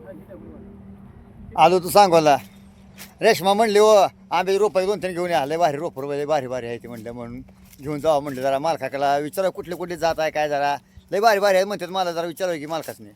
आलो तू सांगोला रेशमा म्हणली हो आंब्याची रोपं 2-3 घेऊन या लय भारी रोप लय भारी भारी आहे ती म्हणलं म्हणून घेऊन जावं म्हणलं जरा मालकाला विचारा कुठले कुठले जात आहे काय जरा लय भारी भारी आहे म्हणतात मला जरा विचारावं की मालकासने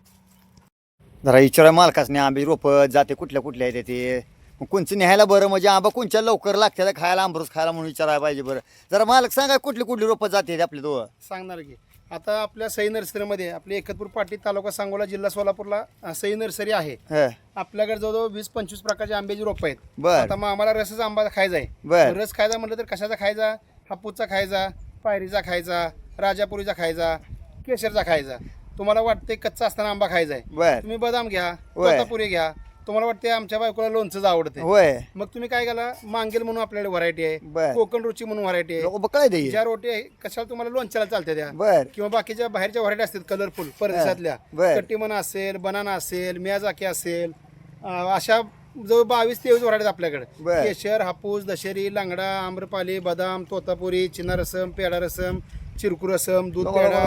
जरा विचारा मालकासने आंब्याची रोपं जाते कुठल्या कुठल्या आहेत ते मग कोणचं न्यायला बरं म्हणजे आंबा कोणच्या लवकर लागते खायला आंबरस खायला म्हणून विचारायला पाहिजे बरं जरा मालक सांगा कुठली कुठली रोपं जाते आपले दोघं सांगणार की आता आपल्या सई नर्सरीमध्ये आपली एकतपूर पाटी तालुका सांगोला जिल्हा सोलापूरला सई नर्सरी आहे. आपल्याकडे जवळजवळ 20-25 प्रकारचे आंब्याची रोपं आहेत. बरं आता मग आम्हाला रसच आंबा खायचा आहे. बरं रस खायचा म्हटलं तर कशाचा खायचा? हापूसचा खायचा, पायरीचा खायचा, राजापुरीचा खायचा, केशरचा खायचा. तुम्हाला वाटते कच्चा असताना आंबा खायचा आहे, बरं तुम्ही बदाम घ्या, होय. तोतापुरी घ्या. तुम्हाला वाटते आमच्या बायकोला लोणचंच आवडते, होय मग तुम्ही काय केला? मांगेल म्हणून आपल्याकडे व्हरायटी आहे, बरं कोकण रुची म्हणून व्हरायटी आहे. लोक बकळाय दे ज्या रोटी आहे कशाला तुम्हाला लोणच्याला चालते त्या, बर किंवा बाकीच्या बाहेरच्या व्हरायटी असतात कलरफुल परदेशातल्या, बर. कट्टीमना असेल, बनाना असेल, मियाजाकी असेल, अशा जवळ 22-23 व्हरायटी आपल्याकडे. बर. केशर, हापूस, दशेरी, लांगडा, आम्रपाली, बदाम, तोतापुरी, चिना रसम, पेडा रसम, चिरकू रसम, दूध पेडा,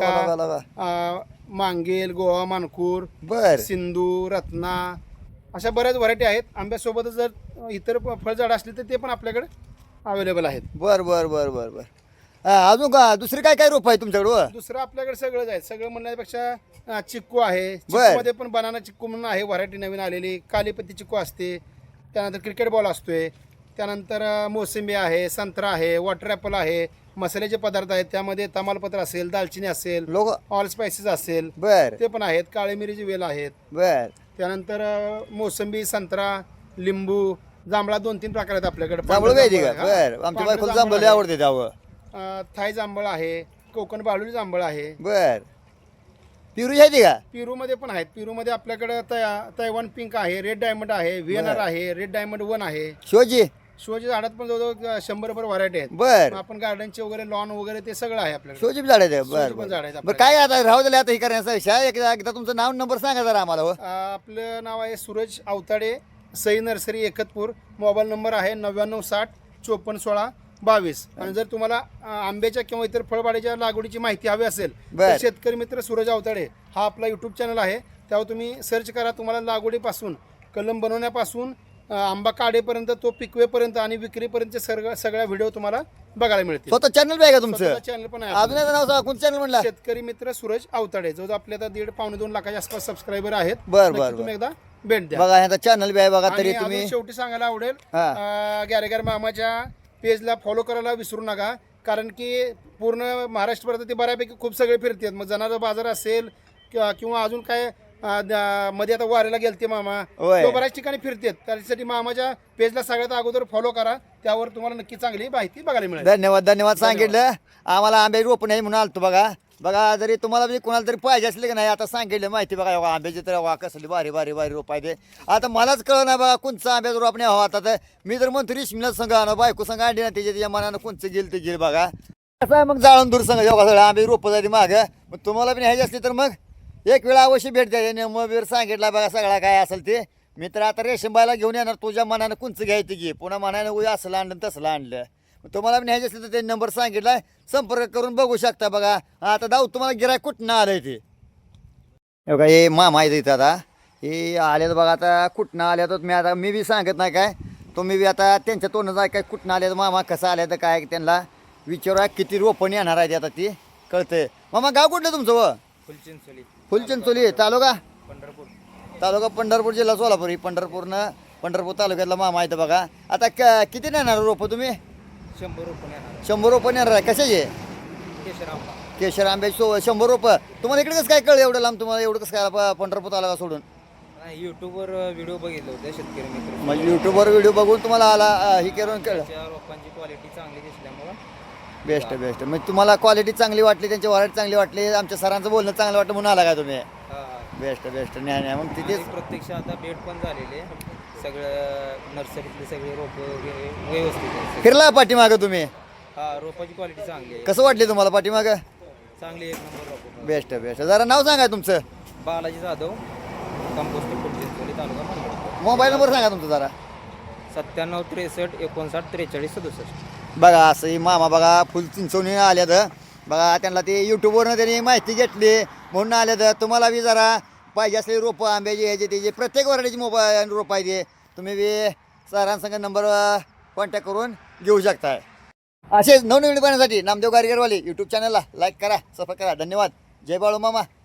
मल्लिका, मांगेल, गोवा मानकूर, बर सिंधू, रत्ना, अशा बऱ्याच व्हरायटी आहेत. आंब्यासोबतच जर इतर फळझाडं असली तर ते पण आपल्याकडे अवेलेबल आहेत. बर बर बर बर बर अजून का दुसरी काय काय रोप आहे तुमच्याकडं दुसरं आपल्याकडे सगळंच आहे. सगळं म्हणण्यापेक्षा चिक्कू आहे, बर. चिक्कूमध्ये पण बनाना चिक्कू म्हणून आहे व्हरायटी नवीन आलेली. कालीपत्ती चिक्कू असते, त्यानंतर क्रिकेट बॉल असतोय, त्यानंतर मोसंबी आहे, संत्रा आहे, वॉटर ॲपल आहे, मसाल्याचे पदार्थ आहेत, त्यामध्ये तमालपत्र असेल, दालचिनी असेल, लोक ऑल स्पायसेस असेल, बर ते पण आहेत. काळी मिरीची वेल आहेत. बर त्यानंतर मोसंबी, संत्रा, लिंबू, जांभळा 2-3 प्रकार आहेत आपल्याकडे. जांभळ पाहिजे का हा, बर आमच्या पांढरं बायकोला जांभळ जांभळ आहे. आवडते त्यावं थाय जांभळ आहे, कोकण बाळुली जांभळ आहे. बर पिरू आहे का पिरूमध्ये पण आहेत. पिरूमध्ये आपल्याकडे तैवान पिंक आहे, रेड डायमंड आहे, व्हीएनआर आहे, रेड डायमंड 1 आहे. शिवजी शोच्या झाडात पण जवळजवळ 100 व्हरायटी आहेत. बर मग आपण गार्डनचे वगैरे लॉन वगैरे ते सगळं आहे आपल्याकडे. शिवजी झाड आहे बर शोची पण बर झाड आहेत बरं काय आता राहू दिले आता हे करण्याचा विषय एकदा तुमचं नाव नंबर सांगा जरा आम्हाला हो. आपलं नाव आहे Suraj Awtade, Sai nursery Ekatpur. Mobile number आहे 9960-5416-22. आणि जर तुम्हाला आंब्याच्या किंवा इतर फळबाडीच्या लागवडीची माहिती हवी असेल बर. तर शेतकरी मित्र सूरज अवताडे हा आपला यूट्यूब चॅनल आहे, त्यावर तुम्ही सर्च करा. तुम्हाला लागवडीपासून कलम बनवण्यापासून आंबा काढेपर्यंत, तो पिकवेपर्यंत आणि विक्रीपर्यंत सगळ्या व्हिडिओ तुम्हाला बघायला मिळतील. स्वतः चॅनल बी आहे का तुमचं चॅनल पण आहे अजून आपलं. एक नाव सांगा कोणतं चॅनल म्हणला शेतकरी मित्र सूरज अवताडे. जो आपल्या आता 1.5-2 लाखाच्या आसपास सबस्क्रायबर आहेत. बर, नक्की बर, तुम्ही एकदा भेट द्या. बघा ह्याचा चॅनल बी आहे बघा तरी आणि तुम्ही अजून शेवटी सांगायला आवडेल, हा. गॅरेगर मामाच्या पेजला फॉलो करायला विसरू नका. कारण की पूर्ण महाराष्ट्रभरात ते बऱ्यापैकी खूप सगळे फिरतात. मग जनावर बाजार असेल किंवा अजून काय मध्ये आता वारीला गेलते मामा, होय. तो बऱ्याच ठिकाणी फिरतात. त्यासाठी मामाच्या पेजला सगळ्यात अगोदर फॉलो करा. त्यावर तुम्हाला नक्की चांगली माहिती बघायला मिळेल. धन्यवाद धन्यवाद सांगितलं आम्हाला आंब्याची रोप नाही म्हणून आलतो बघा बघा जरी तुम्हाला बी कोणाला तरी पाहिजे असले की नाही आता सांगितलं माहिती बघा बघा आंब्याची तर वा कसली भारी भारी भारी रोप आहे ते आता मलाच कळलं नाही बघा कोणचं आंब्याचं रोप नाही हवा आता तर मी तर म्हणतो रिश्मीला संघ आणा बायको संघ आणली ना त्याच्या मनानं कोणचं गेल ते गेल बघा कसं आहे मग जाळून दूर संघ जेव्हा सगळं आंबे रोपं जाते मागं मग तुम्हाला बी न्यायची असली तर मग एक वेळा अवश्य भेट द्यायची नियम बीर सांगितला बघा सगळा काय असेल ते मी तर आता रेशमबाईला घेऊन येणार तुझ्या मनानं कोणचं घ्यायचं घे पुन्हा मनानं उद्या असलं आणलं तसलं आणलं तुम्हाला न्यायचं असलं तर ते नंबर सांगितला संपर्क करून बघू शकता बघा आता जाऊ तुम्हाला गिराय कुठनं आलंय ते बघा हे मामा आहे इथं आता हे आले बघा आता कुठनं आले तर मी बी सांगत नाही काय तुम्ही बी आता त्यांच्या तोंडाचं जाय काय कुठनं आले मामा कसं आले तर काय त्यांना विचारा किती रोपण येणार आहे आता ती कळतंय मामा गाव कुठलं तुमचं व फुलचिंचोली तालुका पंढरपूर जिल्हा सोलापूर ही पंढरपूर तालुक्यातला मामा आहे बघा आता किती नेणार रोपं तुम्ही 100 रोपं येणार आहे कशाचे केशर आंब्याची 100 रोपं तुम्हाला इकडे कसं काय कळलं एवढं लांब तुम्हाला एवढं कसं काय पंढरपूर तालुका सोडून युट्यूबवर व्हिडिओ बघितले होते शेतकरी मित्र म्हणजे युट्यूबवर व्हिडिओ बघून तुम्हाला आला ही करून कळलं रोपांची क्वालिटी चांगली दिसल्यामुळं बेस्ट म्हणजे तुम्हाला क्वालिटी चांगली वाटली त्यांची व्हरायटी चांगली वाटली आमच्या सरांचं बोलणं चांगलं वाटलं म्हणून आला का तुम्ही बेस्ट नाही मग तिथेच प्रत्यक्ष आता भेट पण झालेली आहे. सगळं नर्सरीतले सगळे रोप व्यवस्थित आहे. फिरला पाठीमागं तुम्ही रोपाची क्वालिटी चांगली आहे. कसं वाटले तुम्हाला पाठीमागं चांगली एक नंबर रोप. बेस्ट जरा नाव सांगा तुमचं बालाजी जाधव, कंपोस्ट फुलचिंचोली, तालुका पंढरपूर. मोबाईल नंबर सांगा तुमचा जरा 97 63 59 43 67. बघा असं ही मामा बघा फुल चिंचवणी आल्या तर बघा त्यांना ते यूट्यूबवरनं त्यांनी माहिती घेतली म्हणून आल्या तर तुम्हाला बी जरा पाहिजे असलेली रोपं आंब्याची ह्याचे त्याचे प्रत्येक व्हरायटीची मोबाईल रोपं आहे ते तुम्ही बी सरांसंग नंबर कॉन्टॅक्ट करून घेऊ शकताय. असेच नवनवीन पाहण्यासाठी नामदेव गारगरवाले यूट्यूब चॅनलला लाईक करा, सबस्क्राईब करा. धन्यवाद. जय बाळू मामा.